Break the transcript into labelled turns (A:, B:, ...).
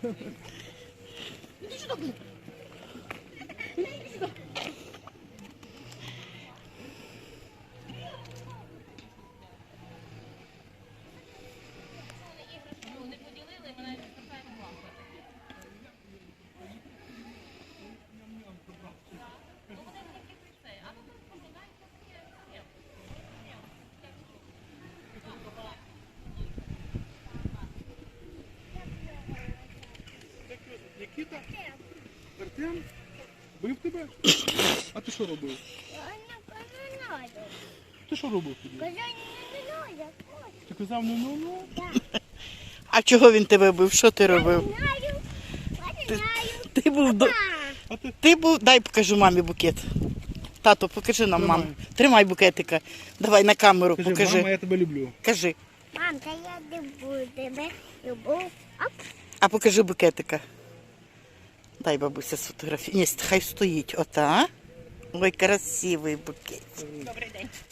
A: Іди сюди, блин.
B: Нікіта? Артем? Бив тебе? А ти що робив? Ти що робив тоді? Ти казав ну-ну-ну?
C: А чого він тебе бив? Що ти робив? Ти був Ти був. Дай покажу мамі букет. Тато, покажи нам, маму. Тримай букетика. Давай на камеру
B: Кажи,
C: покажи.
B: мама, я тебе люблю.
C: Кажи.
A: Мам, та я люблю тебе. Люблю. Оп.
C: А покажи букетика. Дай бабуся сфотографію. Ні, хай стоїть. Ота. Ой, красивий букет.
D: Добрий день.